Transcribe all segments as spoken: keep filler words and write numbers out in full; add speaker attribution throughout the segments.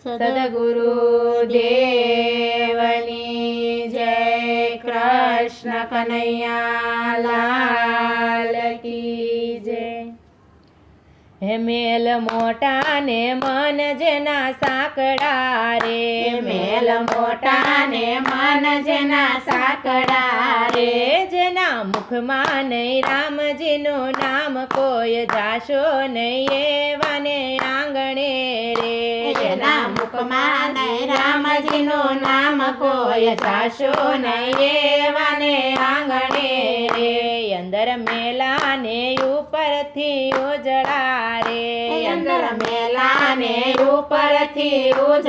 Speaker 1: સદગુરુ દેવની જય। કૃષ્ણ કનૈયા લાલ કી જય। હે મેલ મોટા ને મન જેના સાંકડા રે,
Speaker 2: મેલ મોટા ને મન જેના સાંકડા રે,
Speaker 1: જેના મુખમાં નહીં રામજીનું નામ કોઈ જાશો નહીં એવાને આંગણે રે,
Speaker 2: જેના મુખમાં નહીં રામજીનું નામ કોઈ જાશો નહીં એવાને આંગણે રે,
Speaker 1: અંદર મેલા ને ઉપરથી ઉજળા રે,
Speaker 2: અંદર મેલા ને ઉપરથી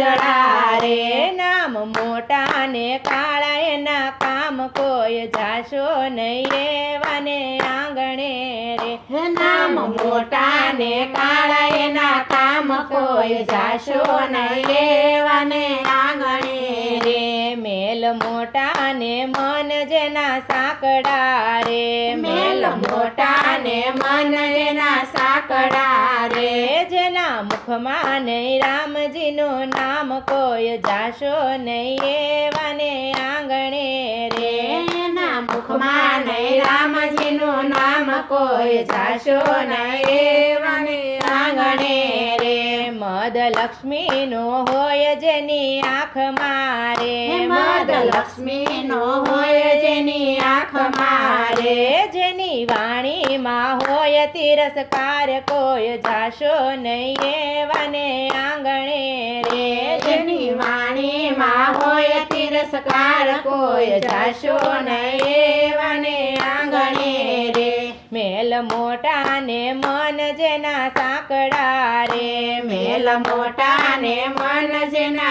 Speaker 2: ઉજળા રે,
Speaker 1: નામ મોટા ને કાળા એના કામ કોઈ જાશો નહીં એવાને આંગણે રે,
Speaker 2: નામ મોટા ને કાળા એના કામ કોઈ જાશો નહીં એવાને આંગણે રે,
Speaker 1: મેલ મોટા ને મન જેના સાંકડા રે,
Speaker 2: મેલ મોટા ને મન જેના સાંકડા રે,
Speaker 1: જેના મુખમાં નહીં રામજીનું નામ કોઈ જાશો નહીં એવાને આંગણે રે,
Speaker 2: એના મુખમાં નહીં રામજીનું નામ કોઈ જાશો નહીં એવાને આંગણે રે,
Speaker 1: મદ લક્ષ્મીનો હોય જેની આંખ મારે,
Speaker 2: મદ લક્ષ્મીનો હોય જેની આંખ મારે,
Speaker 1: જેની વાણીમાં હોય તિરસ્કાર કોઈ જાશો નહીં એવાને આંગણે રે,
Speaker 2: જેની વાણીમાં હોય તિરસ્કાર કોઈ જાશો નહીં એવાને આંગણે રે,
Speaker 1: મેલ મોટા ને મન જેના સાંકડા રે,
Speaker 2: મેલ મોટા ને મન જેના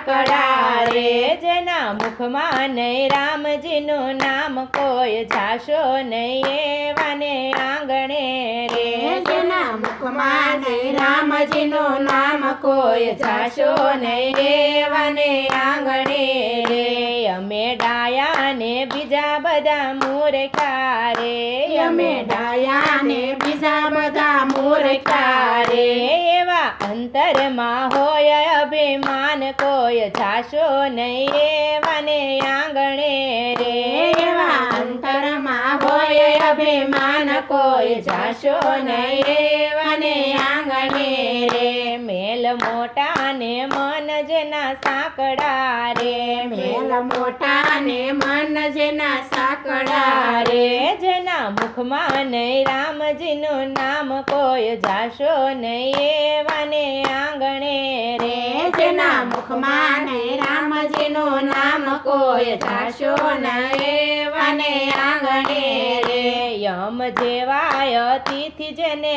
Speaker 2: સાંકડા રે,
Speaker 1: જેના મુખમાં નહીં રામજીનું નામ કોઈ જાશો નહીં એવાને આંગણે રે,
Speaker 2: જેના મુખમાં નહીં રામજીનું નામ કોઈ જાશો નહીં એવાને આંગણે રે,
Speaker 1: અમે ડાયા ને બીજા બધા મૂર્ખા રે,
Speaker 2: અમે ડાયા ને બીજા બધા મૂર્ખા રે,
Speaker 1: એવા અંતરમાં હોય અભિમાન કોઈ જાશો નહીં એવાને આંગણે રે,
Speaker 2: એવા અંતરમાં હોય અભિમાન કોઈ જાશો નહીં એવાને આંગણે રે,
Speaker 1: મેલ મોટા ને મન જેના સાંકડા રે,
Speaker 2: મેલ મોટા ને મન જેના સાંકડા રે,
Speaker 1: જેના મુખમાં નહીં રામજીનું નામ કોઈ જાશો નહીં એવાને આંગણે રે,
Speaker 2: જેના મુખમાં નહીં રામજીનું નામ કોઈ જાશો નહીં એવાને આંગણે રે,
Speaker 1: યમ જેવાય તિથિ જેને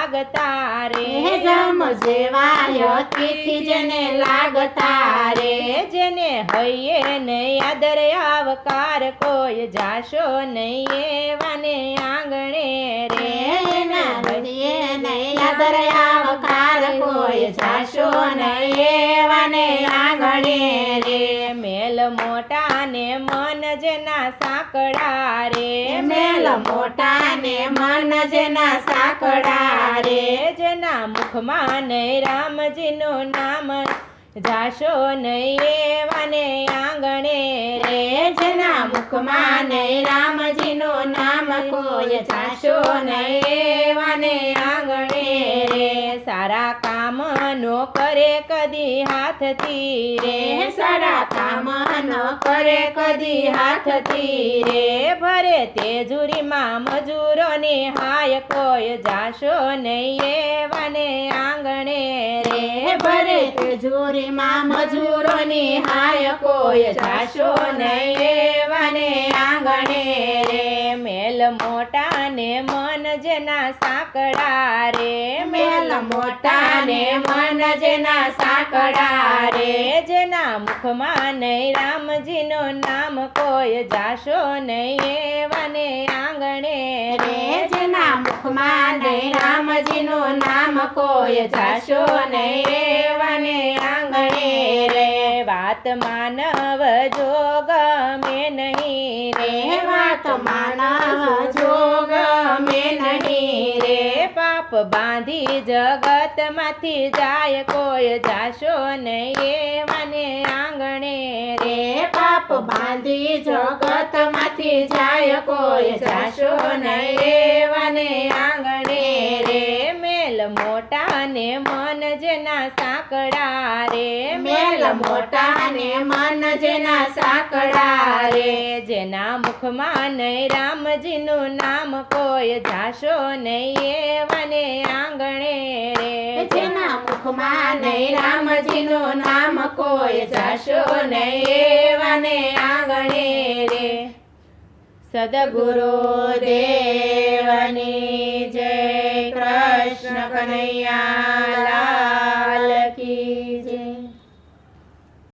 Speaker 1: લાગતા રે,
Speaker 2: જમ જેવાય તિથિ જેને લાગતા રે,
Speaker 1: જેને હૈયે નહીં આદર આવકાર કોઈ જાશો નહીં એવાને આંગણે રે,
Speaker 2: એના હૃદયે નહીં આદર આવકાર કોઈ જાશો નહીં એવાને આંગણે રે,
Speaker 1: મેલ મોટા ને મન જેના સાંકડા રે,
Speaker 2: મેલ મોટા ને મન જેના સાંકડા રે,
Speaker 1: જેના મુખમાં નહીં રામજીનું નામ જાશો નહીં એવાને આંગણે રે,
Speaker 2: જેના મુખમાં નહીં રામજીનું નામ કોઈ જાશો નહીં એવાને આંગણે રે,
Speaker 1: સારા કામ નો કરે કદી હાથથી રે,
Speaker 2: સારા કામ ન કરે કદી હાથથી રે,
Speaker 1: ભરે તેજુરીમાં મજૂરોની હાય કોઈ જાશો નહીં એવાને આંગણે રે,
Speaker 2: ભરે તેજુરીમાં મજૂરોની હાય કોઈ જાશો નહીં એવાને આંગણે રે,
Speaker 1: મેલ મોટા ને મન જેના સાંકડા રે,
Speaker 2: મેલ મોટા ને મન જેના સાંકડા રે,
Speaker 1: જેના મુખમાં નહીં રામજીનું નામ કોઈ જાશો નહીં એવાને આંગણે રે,
Speaker 2: જેના મુખમાં નહીં રામજીનું નામ કોઈ જાશો નહીં એવાને આંગણે રે,
Speaker 1: વાત વાત માનવ જો ગમે નહીં રે
Speaker 2: વાત માનવ જો ગમે નહીં રે
Speaker 1: પાપ બાંધી જગતમાંથી જાય કોઈ જાશો નહીં એવાને આંગણે રે
Speaker 2: પાપ બાંધી જગતમાંથી જાય કોઈ જાશો નહીં
Speaker 1: એવાને આંગણે રે મેલ મોટા ને મન જેના સાંકડા રે
Speaker 2: મેલ મોટા ને મન જેના સાંકડા રે
Speaker 1: જેના મુખમાં નહીં રામજીનું નામ કોઈ જાશો નહીં એવાને આંગણે રે
Speaker 2: જેના મુખમાં નહીં રામજીનું નામ કોઈ જાશો નહીં એવાને આંગણે રે
Speaker 1: સદગુરુ દેવની જય કૃષ્ણ કનૈયા